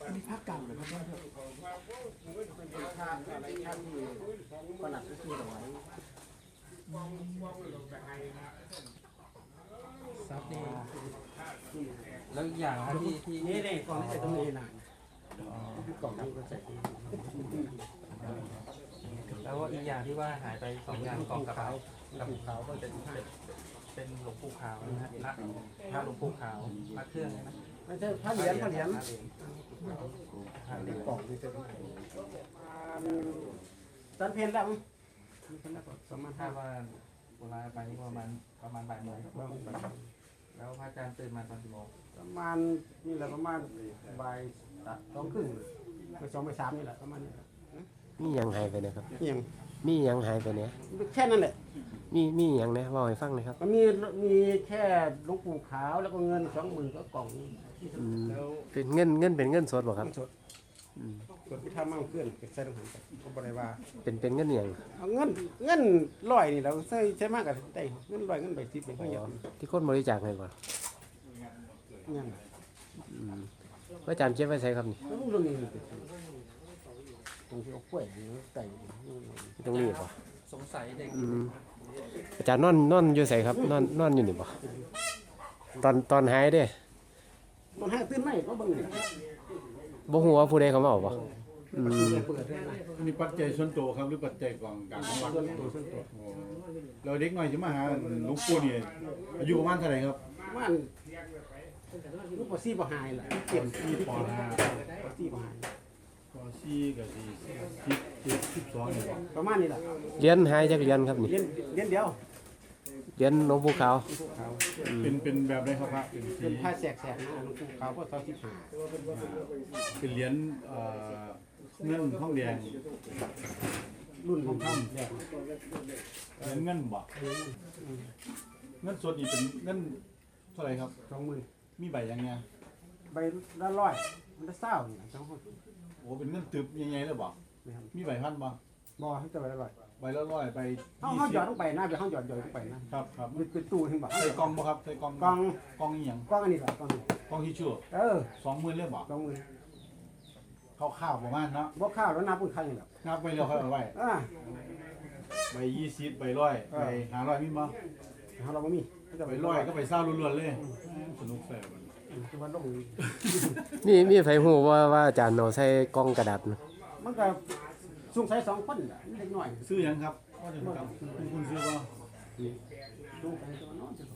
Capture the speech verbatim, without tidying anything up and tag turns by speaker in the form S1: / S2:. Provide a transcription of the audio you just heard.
S1: อันนี้ภาคเก่าเลยครับท่านครับ
S2: เป็นภาพอะไรภาพที่ประหลัดก็คือเอาไว้
S1: ซับนี่
S3: แล้วอีกอย่างนะที่ที่
S2: นี่นี่กล่องที่ใส่ตรงนี้นะกล่องนี้ก็ใส่
S3: แล้วก็อีกอย่างที่ว่าหายไปสองอย่างกองกระเป๋า
S2: กับ
S3: กับ
S2: ขาวก็
S3: เป็
S2: เป็น
S3: น
S2: ผ้า
S3: เป็นหลวงปู่ขาวนะฮะพระพระหลวงปู่ขาวพระเครื่องใช่ไหม
S2: ไม่ใช่ผ้าเหรียญผ้าเหรียญ
S3: พระเหรียญ
S2: กล่องนี่เป็นตอนเพลนแล้วมั้งสมัย
S3: ถ้า
S2: ห้า
S3: ว่าเวลาไปนี่ประมาณประมาณบ่ายโมงแล้วพระอาจารย์ตื่นมาตอนกี่โมง
S2: ประมาณนี่แหละประมาณบ่ายสองครึ่งไปสองไปสามนี่แหละประมาณนี้
S4: มีหยังหายไปเนะครับ
S2: เพียง
S4: มีหยังหายไปเนี่ย
S2: แค่นั้นแหละ
S4: มีมีหยังนะเว่าให้ฟังหนะครับ
S2: มันมีมีแค่หลวงปู่ขาวแล้วก็เงินสองหมื่นก็กล่อง
S4: อืมเป็นเงินเงินเป็นเงินสดบ่ครับ
S2: สด
S4: อืม
S2: สดที่ทำมั่งเคลื่อนเก็บใส่ตรงหันก็บริวา
S4: เป็นเป็นเงินหยัง
S2: เอาเงินเงินลอยนี่เราใช้ใช้มากกับได้เงินลอยเงินใบสิบเป็นก็ยัง
S4: ที่คนบริจาคให้บ่
S2: ยัง
S4: อืมพระอาจารย์เก็บไว้ใส่ครับนี่
S2: แล้วพวกเรื่องนี้มันเป็นตรงที่เอากล้วยใส่
S4: ตรงนี้บ่
S3: สงสัยเด็ก
S4: อืมอาจารย์นอนนอนอยู่ใส่ครับนอนนอนอยู่นี่บ่ตอนตอนหายเด้
S2: มันให้ตื่นไหมก็บังเลย
S4: บ่ฮู้ว่าผู้ใดเขามาเอาบ่อืม
S2: เปิดได้ไหม
S5: มีปัจจัยส่วนตัวครับหรือปัจจัยกองกลางของวัด
S2: ส่วนตัวส่วนตัว
S5: โอ้เราเด็กหน่อยจะมาหาหลวงปู่นี่อายุประมาณเท่าไหร่ครับ
S2: มันลูกปอซี่ปอหายแหละเก็บ
S5: สี่ปห้า
S2: ปอซี่ปอหาย
S5: ปสี่กับสี่สิบเจ็ดสิบสองนี่บ่
S2: ประมาณนี้แหละ
S4: เหรียญหายจักเหรียญครับนี่
S2: เรียนเรียนเดียว
S4: เหรียญหลวงปู่ขาว
S2: พวกเขา
S5: เป็นเป็นแบบไหนครับพระเป็นสี
S2: เป็นผ้าแสกแสกนะหลวงปู่เขาก็ตอนที่ผ่า
S5: เป็นเหรียญเอ่อเงินทองแดง
S2: รุ่นของท่านแรก
S5: เหรียญเงินบ่เงินสดนี่เป็นเงินเท่าไหร่ครับ
S2: สองหมื่น
S5: มีใบยังไง
S2: ใบละร้อยมันละเศร้าเนี่ยสองคน
S5: โอ้เป็นเงินตึบยังไงเลยบ่
S2: นะครับ
S5: มีใบพันบ่
S2: บ่ให้จะใบละร้อย
S5: ใบละร้อยใบ
S2: เขา
S5: ยี่
S2: เขา
S5: สิ
S2: หยอบ ดลงไปนะไปเขาหยอดหยอดลงไปนะครับ
S5: ครับ
S2: มันเป็นตู้ขึ้นบ่
S5: ใส่กล่องบ่ครับใส่กล่อง
S2: กล่อง
S5: กล่องอีหยัง
S2: กล่องอันนี้แหละกล่องนี้
S5: กล่องที่ชั่ว
S2: เออ
S5: สองหมื่นเลยบ่
S2: สองหมื่น
S5: ข้าวๆประมาณเนาะ
S2: บ่ข้าวแล้วนับเป็นใครนี่แหละ
S5: นับไปแล้วค่อยเอาไว้
S2: อ่า
S5: ใบยี่สิบใบร้อยใบห้าร้อยมีบ่
S2: เขาเราบ่มีเขาจะ
S5: ใบร้อยก็ใบเศร้าล้วนๆเลยสนุกแสบ
S2: คือว่าลง
S4: มีมีไผฮู้ว่าว่าอาจารย์เอาใส่กล่องกระดาษนะ
S2: มันก็สงสัยสองคนแหละเล็กน้อย
S5: ซื้อหยังครับก็จะครับคุณซื้อบ่
S2: ดูไปตัวนอนจะ